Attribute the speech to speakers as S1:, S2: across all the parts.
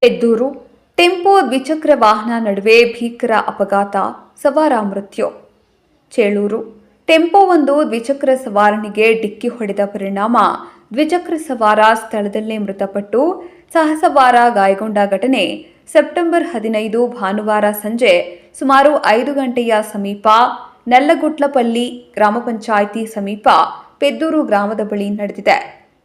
S1: ಪೆದ್ದೂರು tempo ದ್ವಿಚಕ್ರ ವಾಹನ ನಡುವೆ ಭೀಕರ ಅಪಘಾತ, ಸವಾರ ಮೃತ್ಯು. ಚೇಳೂರು ಟೆಂಪೋವೊಂದು ದ್ವಿಚಕ್ರ ಸವಾರನಿಗೆ ಡಿಕ್ಕಿ ಹೊಡೆದ ಪರಿಣಾಮ ದ್ವಿಚಕ್ರ ಸವಾರ ಸ್ಥಳದಲ್ಲೇ ಮೃತಪಟ್ಟು ಸಹಸವಾರ ಗಾಯಗೊಂಡ ಘಟನೆ ಸೆಪ್ಟೆಂಬರ್ 15 ಭಾನುವಾರ ಸಂಜೆ ಸುಮಾರು 5 ಗಂಟೆಯ ಸಮೀಪ ನಲ್ಲಗುಟ್ಲಪಲ್ಲಿ ಗ್ರಾಮ ಪಂಚಾಯಿತಿ ಸಮೀಪ ಪೆದ್ದೂರು ಗ್ರಾಮದ ಬಳಿ ನಡೆದಿದೆ.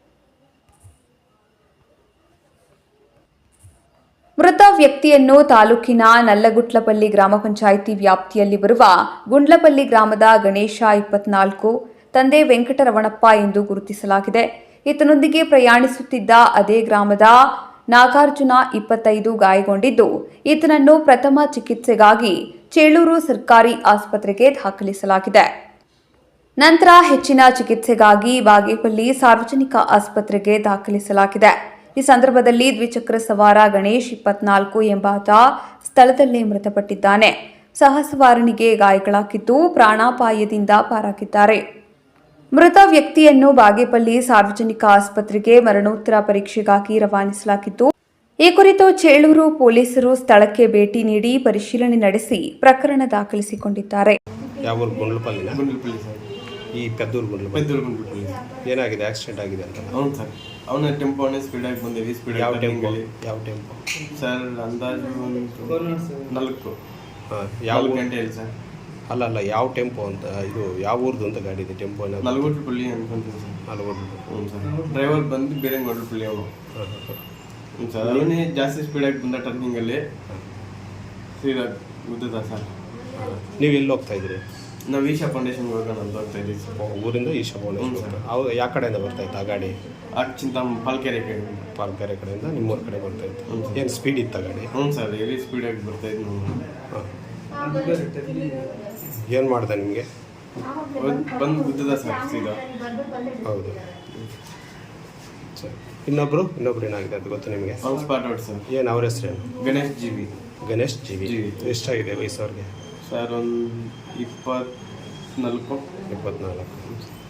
S1: ಮೃತ ವ್ಯಕ್ತಿಯನ್ನು ತಾಲೂಕಿನ ನಲ್ಲಗುಟ್ಲಪಲ್ಲಿ ಗ್ರಾಮ ಪಂಚಾಯಿತಿ ವ್ಯಾಪ್ತಿಯಲ್ಲಿ ಬರುವ ಗುಂಡ್ಲಪಲ್ಲಿ ಗ್ರಾಮದ ಗಣೇಶ 24, ತಂದೆ ವೆಂಕಟರಮಣಪ್ಪ ಎಂದು ಗುರುತಿಸಲಾಗಿದೆ. ಈತನೊಂದಿಗೆ ಪ್ರಯಾಣಿಸುತ್ತಿದ್ದ ಅದೇ ಗ್ರಾಮದ ನಾಗಾರ್ಜುನ 25 ಗಾಯಗೊಂಡಿದ್ದು, ಈತನನ್ನು ಪ್ರಥಮ ಚಿಕಿತ್ಸೆಗಾಗಿ ಚೇಳೂರು ಸರ್ಕಾರಿ ಆಸ್ಪತ್ರೆಗೆ ದಾಖಲಿಸಲಾಗಿದೆ. ನಂತರ ಹೆಚ್ಚಿನ ಚಿಕಿತ್ಸೆಗಾಗಿ ಬಾಗೇಪಲ್ಲಿ ಸಾರ್ವಜನಿಕ ಆಸ್ಪತ್ರೆಗೆ ದಾಖಲಿಸಲಾಗಿದೆ. ಈ ಸಂದರ್ಭದಲ್ಲಿ ದ್ವಿಚಕ್ರ ಸವಾರ ಗಣೇಶ್ 24 ಎಂಬಾತ ಸ್ಥಳದಲ್ಲೇ ಮೃತಪಟ್ಟಿದ್ದಾನೆ. ಸಹಸವಾರನಿಗೆ ಗಾಯಗಳಾಗಿದ್ದು ಪ್ರಾಣಾಪಾಯದಿಂದ ಪಾರಾಗಿದ್ದಾರೆ. ಮೃತ ವ್ಯಕ್ತಿಯನ್ನು ಬಾಗೇಪಲ್ಲಿ ಸಾರ್ವಜನಿಕ ಆಸ್ಪತ್ರೆಗೆ ಮರಣೋತ್ತರ ಪರೀಕ್ಷೆಗಾಗಿ ರವಾನಿಸಲಾಗಿದ್ದು, ಈ ಕುರಿತು ಚೇಳೂರು ಪೊಲೀಸರು ಸ್ಥಳಕ್ಕೆ ಭೇಟಿ ನೀಡಿ ಪರಿಶೀಲನೆ ನಡೆಸಿ ಪ್ರಕರಣ ದಾಖಲಿಸಿಕೊಂಡಿದ್ದಾರೆ.
S2: ಈ ಪೆದ್ದೂರು ಏನಾಗಿದೆ? ಆಕ್ಸಿಡೆಂಟ್ ಆಗಿದೆ ಅಂತ?
S3: ಹೌದು ಸರ್. ಅವನ ಟೆಂಪೋನೇ ಸ್ಪೀಡಾಗಿ ಬಂದಿವಿ.
S2: ಯಾವ ಟೆಂಪೋ
S3: ಸರ್? ಅಂದಾಜು 4
S2: ಯಾವ
S3: ಗಂಟೆ ಹೇಳಿ ಸರ್.
S2: ಅಲ್ಲ ಯಾವ ಟೆಂಪೋ ಅಂತ? ಇದು ಯಾವ ಊರ್ದು ಅಂತ ಗಾಡಿ ಇದೆ? ಟೆಂಪೋ
S3: ನಲ್ಗೋಟ್ಲಪಲ್ಲಿ ಅನ್ಕೊಂತೀನಿ ಸರ್. ಹ್ಞೂ ಸರ್. ಡ್ರೈವರ್ ಬಂದು ಬೇರೆ ಗೊಡ್ಲಪಲ್ಲಿ ಅವನು. ಹ್ಞೂ ಸರ್. ಅವನೇ ಜಾಸ್ತಿ ಸ್ಪೀಡಾಗಿ ಬಂದ ಟರ್ನಿಂಗಲ್ಲಿ ಸೀದಾ ಗುದ್ದದ ಸರ್.
S2: ನೀವು ಎಲ್ಲಿ ಹೋಗ್ತಾ ಇದ್ರಿ?
S3: ನಾವು ಈಶಾ ಫೌಂಡೇಶನ್ಗೆ ಹೋಗೋಣ ಅಂತ ಹೋಗ್ತಾ ಇದ್ದೀವಿ ಸರ್.
S2: ಊರಿಂದ ಈಶಾ ಫೌಂಡೇಶನ್. ಅವು ಯಾವ ಕಡೆಯಿಂದ ಬರ್ತಾ ಇತ್ತು ಆ ಗಾಡಿ?
S3: ಪಾಲ್ಕೆರೆ
S2: ಕಡೆಯಿಂದ ನಿಮ್ಮೂರ ಕಡೆ ಬರ್ತಾ ಇತ್ತು. ಏನು ಸ್ಪೀಡ್ ಇತ್ತು ಗಾಡಿ?
S3: ಹ್ಞೂ ಸರ್. ಹೆವಿ ಸ್ಪೀಡಾಗಿ ಬರ್ತಾ ಇದ್ದು.
S2: ಏನು ಮಾಡ್ದೆ ನಿಮಗೆ?
S3: ಬಂದು ಗುದ್ದದ ಸರ್ ಸೀದಾ.
S2: ಹೌದು ಸರ್. ಇನ್ನೊಬ್ರು ಏನಾಗಿದೆ ಅದು ಗೊತ್ತು ನಿಮಗೆ?
S3: Spot out sir.
S2: ಏನು ಅವ್ರ ಹೆಸರೇನು?
S3: Ganesh G V.
S2: ಎಷ್ಟಾಗಿದೆ ವಯಸ್ಸು ಅವ್ರಿಗೆ?
S3: ಸರ್ ಒಂದು 24.